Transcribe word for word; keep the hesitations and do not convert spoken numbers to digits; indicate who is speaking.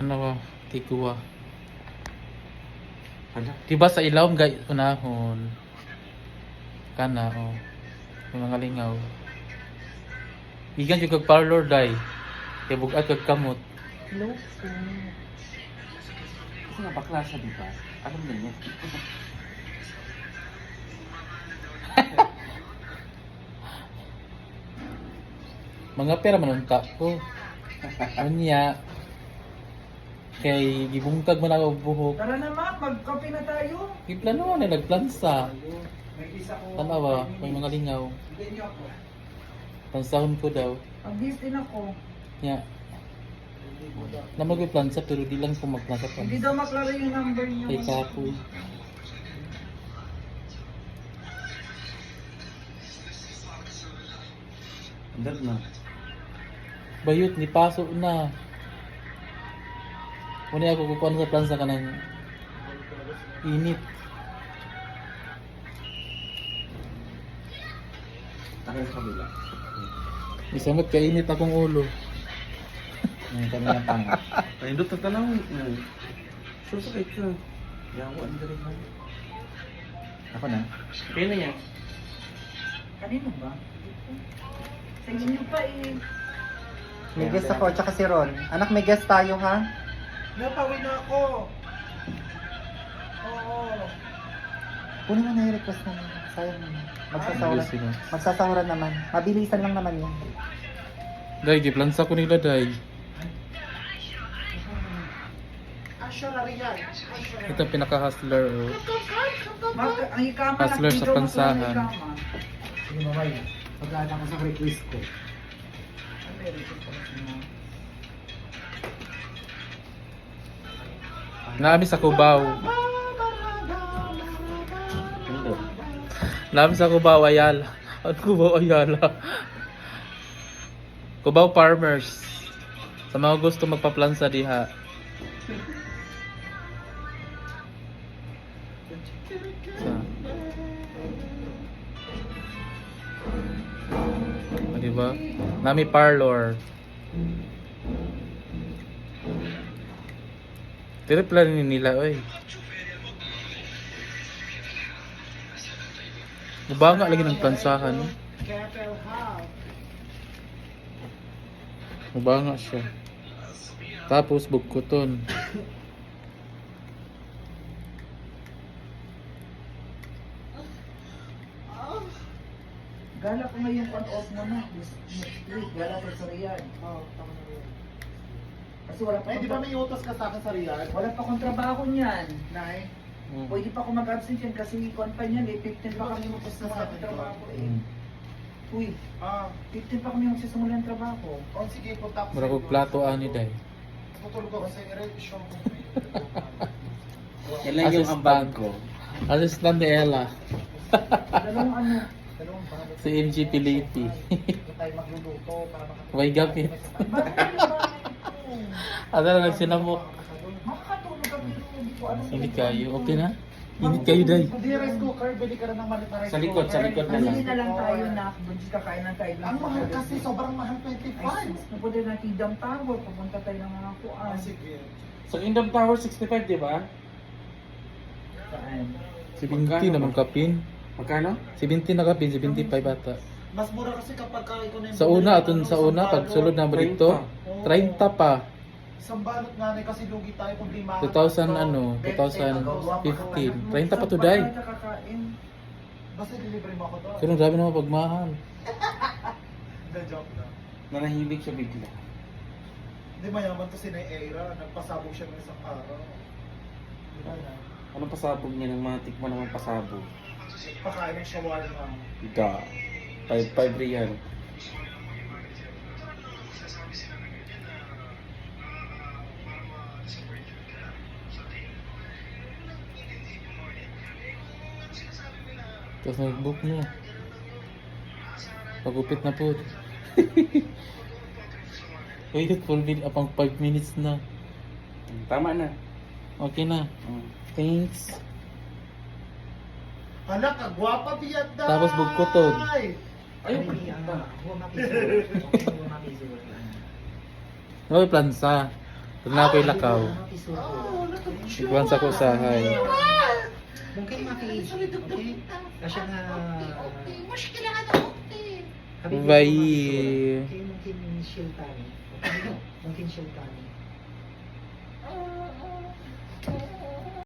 Speaker 1: Ano ba? Tiguwa.
Speaker 2: Hala.
Speaker 1: Diba sa ilawom gay unahon? Kana oh. Yung mga lingaw. Igan yung kag parlor day. Kaya bugat kag kamot.
Speaker 2: Hello po. Kasi nga bakla siya, di ba? Alam na niya.
Speaker 1: Mga pera manunta ko. Anya. Kay gibungkag man ako buhok.
Speaker 3: Tara na ma, magkape na tayo.
Speaker 1: Giplano na nagplansa.
Speaker 3: May isa ko.
Speaker 1: Tanawa, may mga lingaw.
Speaker 3: Bigyan niyo ako.
Speaker 1: Pansahon ko daw.
Speaker 3: Mag-bis din ako.
Speaker 1: Nya. Na magplansa pero di lang ko magplansa pa.
Speaker 3: Hindi daw maklaro yung number niyo.
Speaker 1: Kay kapoy.
Speaker 2: Andad na.
Speaker 1: Bayot ni paso na. Muna ako kukuha sa plansa ka ng init.
Speaker 2: Takay sa kabila.
Speaker 1: Isamot ka init akong ulo.
Speaker 2: Ngayon kami ng panga. Pahindot na tanaw. Susakit ka. Yawa, ang galing na. Ako na? Kaya na yan.
Speaker 3: Kanino ba? Sa inyo pa eh.
Speaker 4: May guest ako, tsaka si Ron. Anak, may guest tayo ha?
Speaker 3: Napawin na ako. Oo.
Speaker 4: Kunin mo na yung request namin. Sayang naman. Magsasahuran.
Speaker 1: Sino?
Speaker 4: Magsasahuran naman. Mabilisan lang naman yan.
Speaker 1: Day, giplansa ko nila day. Ito pinaka-hustler oh.
Speaker 3: Mag, ang ikama
Speaker 1: Hustler sa pansahan.
Speaker 4: Sige, mamay. Pag-aata ko sa request ko.
Speaker 1: Naami sa Cubao.
Speaker 2: Pindot.
Speaker 1: Naami sa Cubao Ayala. At Cubao Ayala. Cubao Farmers. Sa mga gusto magpa-plansa diha. Ah, diba? Nami parlor. Tiripla rin nila, oy. Mabanga lagi ng plansahan. Mabanga siya. Tapos bugkuton.
Speaker 3: Gala ko ngayon on-off mo na. This next week, gala ko sa Riyadh. Oo, tama na yun. Kasi wala pa
Speaker 5: Ay, di ba
Speaker 3: akong-
Speaker 5: may utos ka sa akin sa Riyadh?
Speaker 3: wala pa akong trabaho niyan.
Speaker 5: Nay?
Speaker 1: Mm.
Speaker 3: Pwede pa ako mag-absent yan kasi kuwan pa niyan eh. fifteen pa kami magsisimula ng trabaho eh.
Speaker 1: Mm.
Speaker 3: Uy,
Speaker 5: Ah,
Speaker 3: fifteen pa kami magsisimula ng trabaho.
Speaker 5: oh sige, punta ako
Speaker 1: Mura kog plato ani day.
Speaker 5: Tutulog ako sa i-revision ko.
Speaker 2: Yan lang yung
Speaker 1: Assistant.
Speaker 2: ambag ko.
Speaker 1: Assistant ni Ella.
Speaker 3: Dalawang ano.
Speaker 5: Dalawang bago.
Speaker 1: Si M G Pilipi.
Speaker 5: Hindi tayo magluluto para makatulog.
Speaker 1: May gamit.
Speaker 3: Bakit ano ba ito?
Speaker 1: Ano na nagsinamok?
Speaker 3: Makakatulog kami hindi ko ano.
Speaker 1: Hindi kayo. Okay na? Hindi kayo day.
Speaker 5: Hindi, rice cooker, bili ka rin ng malit na rice
Speaker 2: Sa likod,
Speaker 5: cooker.
Speaker 2: sa likod na lang.
Speaker 3: Bumili na lang tayo na doon sa kakain ng tayo.
Speaker 5: Ang mahal kasi, sobrang mahal,
Speaker 3: Ay,
Speaker 5: twenty-five.
Speaker 3: sus, napunta na Kingdom Tower. Pupunta tayo ng mga kuan.
Speaker 5: Ah, sige.
Speaker 2: Sa Kingdom Tower sixty-five, di ba?
Speaker 3: Saan?
Speaker 1: seventy naman kapin.
Speaker 2: Magkano?
Speaker 1: seventy na kapin, seventy-five ata.
Speaker 5: Mas mura kasi kapag ka ikaw na yung
Speaker 1: Sa
Speaker 5: bumili
Speaker 1: una,
Speaker 5: ng
Speaker 1: aton
Speaker 5: ano,
Speaker 1: sa
Speaker 5: isang
Speaker 1: una, pag
Speaker 5: balot.
Speaker 1: sulod na mo dito,
Speaker 5: Oo.
Speaker 1: thirty pa.
Speaker 5: Isang balot nga na kasi lugi tayo kung di mahal.
Speaker 1: two thousand
Speaker 5: So,
Speaker 1: ano,
Speaker 5: bente,
Speaker 1: twenty fifteen.
Speaker 5: magawa pa ko.
Speaker 1: thirty pa to
Speaker 3: Saan
Speaker 1: day.
Speaker 3: tayo kakakain?
Speaker 5: Basta delivery mo ako doon.
Speaker 1: Pero grabe naman pagmahal.
Speaker 5: Hindi, joke na.
Speaker 2: Nanahimik siya bigla.
Speaker 5: Hindi, mayaman to si Nay Eira. Nagpasabog siya ng isang araw. Di ba na?
Speaker 2: Anong pasabog niya ng mga tikman ng pasabog?
Speaker 5: Pakain ng shawarma.
Speaker 2: Da. five five real.
Speaker 1: Tapos nag-book mo. Pagupit na po. Wait, full bill apang five minutes na.
Speaker 2: Tama na.
Speaker 1: Okay na.
Speaker 2: Mm.
Speaker 1: Thanks.
Speaker 5: Hala, kagwapa biyad na!
Speaker 1: Tapos bugkuton.
Speaker 2: Ayun.
Speaker 1: Okay, plansa. Pag na ako'y lakaw. Iguan sa kusahay.
Speaker 4: Mungkin maki-age, okay? Kasi nga...
Speaker 1: Bye.
Speaker 4: Okay, mungkin shiltani. Mungkin shiltani.